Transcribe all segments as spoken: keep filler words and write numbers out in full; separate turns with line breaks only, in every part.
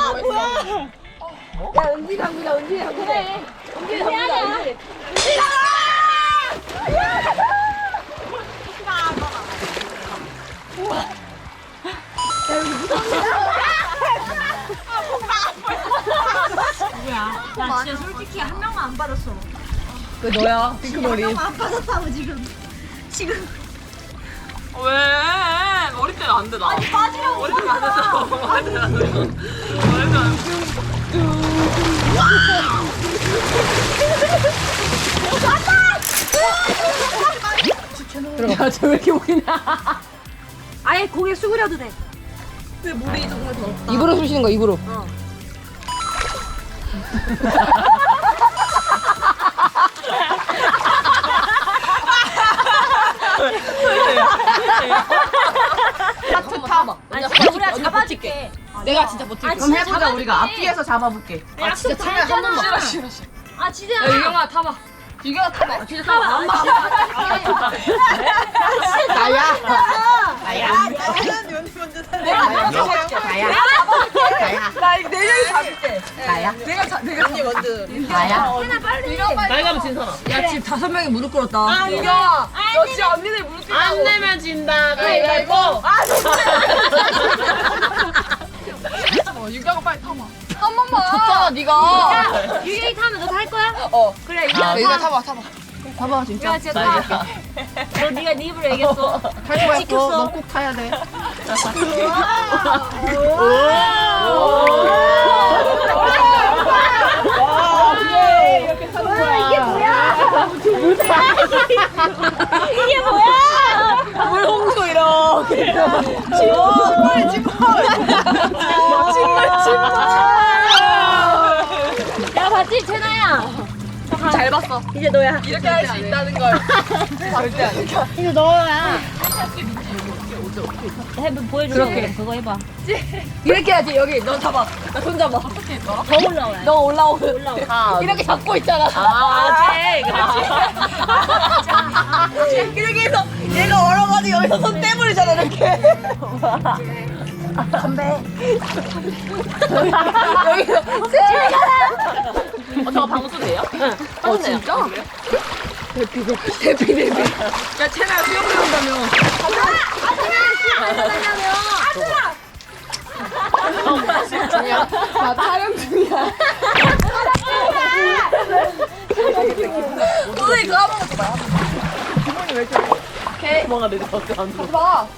뭐야? 야 은지 당구자 은지 당구자. 그래. 은지 당구자 은지. 은지 우와. 야 여기 무섭다.
누구야? 나 진짜 솔직히 한 명만 안 받았어.
그 너야 핑크머리.
한 명만 안 받았다고 지금. 지금.
왜? 머리 때문에 안 돼, 나.
아니 빠지려고.
머리 때문에 안 된다고. 머리 때문에 안 된다고. 머리 때문에 안
들어가. 쟤 왜 이렇게 오기나?
아예 고개 숙으려도 돼.
근데 물이 정말 더럽다.
입으로 쑤시는 거 입으로.
어.
하트 타.
아니 진짜 우리가 잡아줄게.
내가 진짜 버틸게.
아,
그럼
진짜
해보자.
잡아줄게.
우리가 앞뒤에서 잡아볼게.
아 진짜 참여 한 번만. 싫어 싫어 싫어. 아 진짜.
야 유경아 타봐. 유경아 타봐. 진짜 타봐. 안 봐. 나야. 나야.
나는 연이 먼저 살래.
나야. 나야. 나야.
나 이거 네 명이 잡을게.
나야.
내가 잡, 내가 언니 먼저.
나야.
해나 빨리.
나이 가면 진 사람.
야 지금 다섯 명이 무릎 꿇었다.
아, 유경아. 너 진짜 언니들 무릎 꿇고. 안 내면 진다. 가위바위보. 아, 어, 유경아 빨리 타봐.
한 번만. 졌잖아 네가.
유경이 타면 너 탈 거야?
어.
그래
아,
유경아
유경
타.
타봐 타봐. 타봐 진짜.
유경아 진짜 타. 너 네가 네 입으로 얘기했어.
탈 거야.
지켰어.
너꼭 타야 돼.
이게 뭐야?
물 홍수 이렇게.
침몰, 침몰. 침몰, 침몰.
야 봤지 채나야.
잘 봤어.
이제 너야.
이렇게 할 수 있다는 걸. 절대 안 해.
이제 너야. 해봐 보여줘.
그렇게.
그거 해봐.
이렇게 해야지 여기 너 잡아. 나 손 잡아.
더 올라와야 돼.
너 올라오고
올라와.
이렇게 잡고 있잖아.
아, 그렇지.
이렇게 해서 얘가 얼어가지고 여기서 손 떼버리잖아 이렇게. 건배. 여기서
어, 저거 방수 돼요?
어 진짜? 대피 대피 대피 대피.
야, 채나야 수영 배운다며.
중이야. 나 촬영 중이야. 선생님 까먹었어 봐. 기분이 왜 저래? 오케이.
뭐가 내려 어때 안 들어?
봐.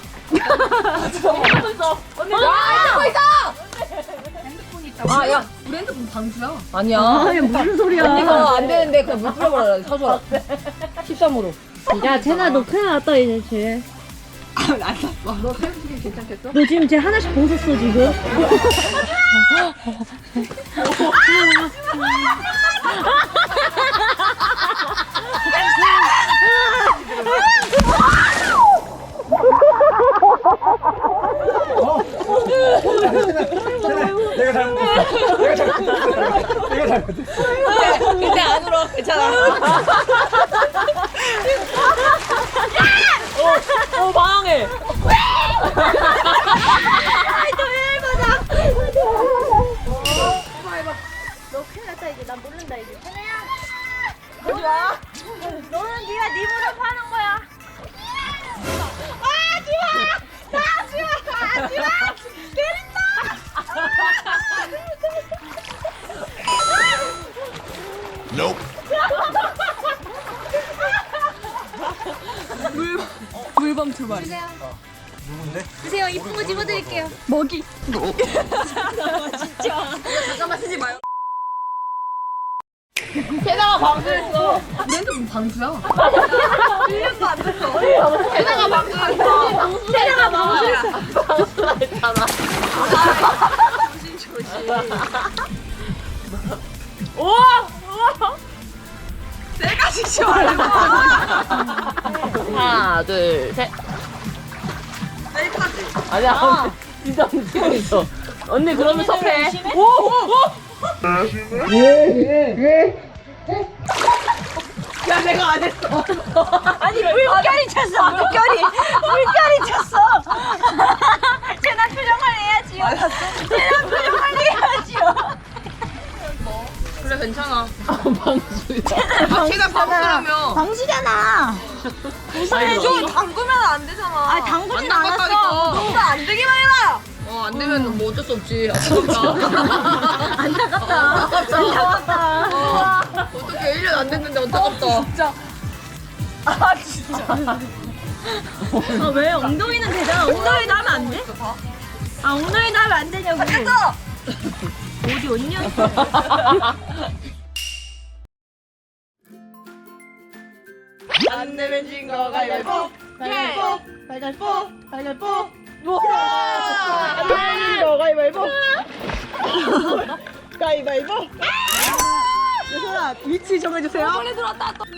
언니 나 핸드폰 있어. 아, 야, 우리 핸드폰 방수야. 아니야.
아니 무슨 소리야?
언니가 안 되는데 그냥 물 뿌려버려. 서줘. 십삼으로.
야 채나 너 큰일 났다 이제 쟤.
너 팬스킨 괜찮겠어?
너 지금 쟤 하나씩 벗었어 지금.
내가 잘못했어. 내가 잘못했어. 내가 잘못했어.
근데 안 울어. 괜찮아.
어, 방해.
너 큰일 났다 이제 난 모른다 이제. 채나야. 하지 마. 너는 네가 네 무릎 하는 거야.
물범 두 마리.
누군데?
드세요 이쁜 거 집어드릴게요.
먹이.
진짜.
잠깐만 쓰지 마요. 세나가 방수했어. 우리 핸드폰 방수야. 일 년도 안 됐어. 세나가 방수했어. 세나가 방수했어. 방수라 했잖아. 조심 조심.
우와! 우와! 세 가지 시원해.
하나, 둘, 셋.
셀카지.
아니야, 언니. 진짜 움직이고 있어. 언니, 그러면 섭해. 오! 오! 야, 내가 안 했어.
아니 물결이 쳤어. 물결이 물결이 쳤어. 쟤나 표정 관리해야지. 쟤나 표정 관리해야지.
그래 괜찮아.
방수야.
아 걔가 방수라며.
방수잖아.
좀 담그면 안 되잖아.
아 당근이
안
않았어.
담갔다니까.
뭔가 안 되기만 해라.
어 안 되면 뭐 어쩔 수 없지. 아깝다.
안타깝다. 안타깝다.
어떻게 일 년 안 됐는데 안타깝다.
진짜. 아 진짜.
아, 왜 엉덩이는 되잖아. 엉덩이도 하면 안 돼? 아 엉덩이도 하면 안 되냐고.
됐어.
어디 언니야?
안 내면 진 거 가위바위보. 가위바위보. 가위바위보. 가위바위보. 안 내면 진 거 가위바위보. 가위바위보. 예솔아 위치 정해주세요. 소리 들었다 또.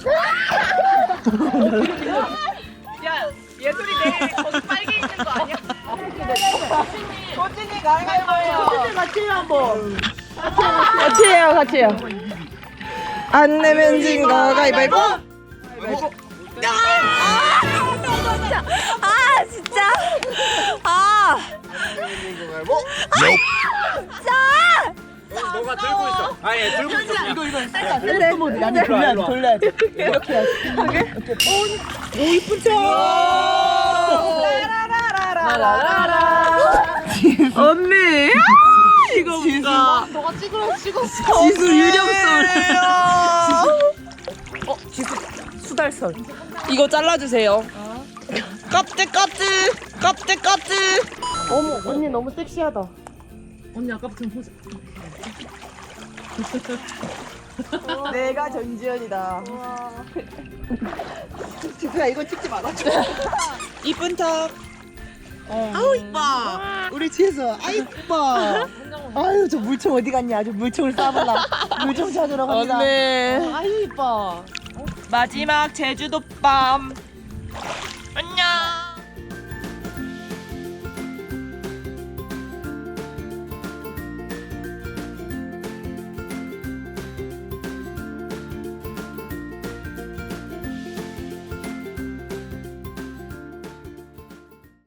야 예솔이 내일 거기 빨개 있는 거 아니야? 고진이 가위바위보예요. 고진이 같이 해요 한번. 같이 해요 같이 해요. 안 내면 진 거 가위바위보.
아 진짜. 아.
너가 들고 있어. 아니 들고 있어. 이거 이거.
셀프 모드 아니 돌려야 돼 돌려야 돼. 이렇게 해야지. 오 이쁜 척. 라라라라라. 언니. 이거 뭔가. 너가 찍으라 찍어. 지수 유령설. 어 지수 수달설. 이거 잘라주세요. 껍질 껍질 껍질 껍질. 어머 언니 너무 섹시하다. 언니 아까부터 포즈. 내가 전지현이다. 지수야 이거 찍지 말아줘. 이쁜 척. 아우 이뻐. 우리 지수 아 이뻐. 아유 저 물총 어디 갔냐? 아주 물총을 쏴볼라. 물총 찾으러 갑니다. 언니. 아유 이뻐. 마지막 제주도 밤.